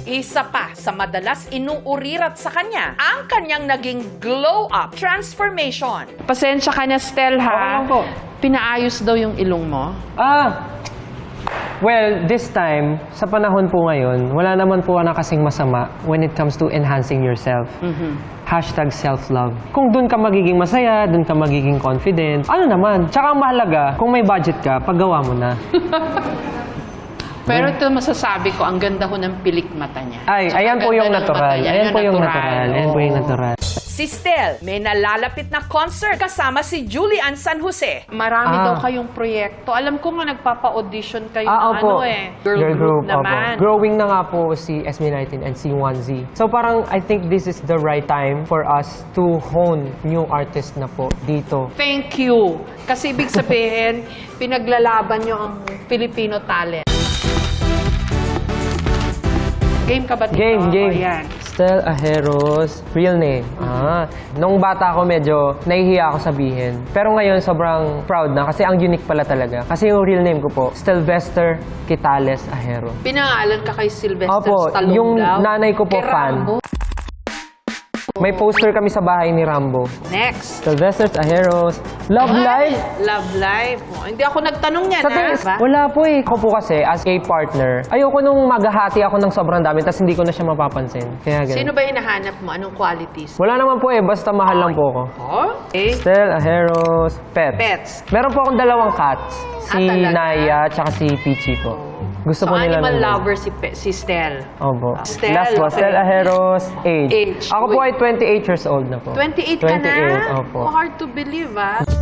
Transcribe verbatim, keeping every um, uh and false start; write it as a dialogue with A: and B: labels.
A: Isa pa sa madalas inuurirat sa kanya, ang kanyang naging glow-up transformation.
B: Pasensya ka na, Stel, ha?
C: Oo lang po.
B: Pinaayos daw yung ilong mo.
C: Ah, well, this time, sa panahon po ngayon, wala naman po na kasing masama when it comes to enhancing yourself.
B: Mhm.
C: Hashtag self-love. Kung dun ka magiging masaya, dun ka magiging confident, ano naman? Tsaka ang mahalaga, kung may budget ka, paggawa mo na.
B: Pero ito masasabi ko, ang ganda ho ng pilik mata niya.
C: Ay,
B: Tsaka
C: ayan po
B: ang
C: yung
B: ganda ng
C: natural.
B: mata niya,
C: Ayan
B: yung
C: po yung natural. Ayan po yung
B: Oo.
C: natural.
A: Si Stel, may nalalapit na concert kasama si Julian San Jose.
B: Marami
C: Ah.
B: daw kayong proyekto. Alam ko nga nagpapa-audition kayo
C: Ah,
B: ng
C: opo.
B: ano eh. Girl, group, naman.
C: opo. Growing na nga po si S B nineteen and C one Z. So parang I think this is the right time for us to hone new artist na po dito.
B: Thank you. Kasi ibig sabihin, pinaglalaban nyo ang Filipino talent. Game ka ba dito?
C: Game, game.
B: O, yan.
C: Stel Ajeros, real name. Ah, nung bata ako medyo nahihiya ako sabihin. Pero ngayon sobrang proud na kasi ang unique pala talaga. Kasi yung real name ko po, Stelvester Quitales Ajero.
B: Pinangalan ka kay Sylvester
C: Opo,
B: Stallone
C: yung
B: daw.
C: nanay ko po
B: Kay
C: fan.
B: Rambo.
C: May poster kami sa bahay ni Rambo.
B: Next.
C: Sylvester Ajeros, Love
B: Ay,
C: Life.
B: Love Life. Oh, hindi ako nagtanong yan,
C: Sa
B: ha?
C: tingin,
B: Diba?
C: wala po eh. Ako po kasi, as a partner, ayoko nung maghahati ako ng sobrang dami tapos hindi ko na siya mapapansin. Kaya ganun.
B: Sino ba hinahanap mo? Anong qualities?
C: Wala naman po eh, basta mahal lang po ako.
B: Oh? Okay.
C: Stel Ajeros, pets.
B: Pets.
C: Meron po akong dalawang cats. Si
B: Ah, talaga?
C: Naya at si Peachy po. Gusto
B: So,
C: po nila
B: animal
C: ng-
B: lover si, Pe- si Stel.
C: Opo.
B: Stel,
C: Last po,
B: okay.
C: Stel Ajeros, age.
B: Age.
C: Ako po
B: Uy.
C: ay twenty-eight years old na po.
B: twenty-eight ka na?
C: twenty-eight, opo.
B: Oh, hard to believe, ah.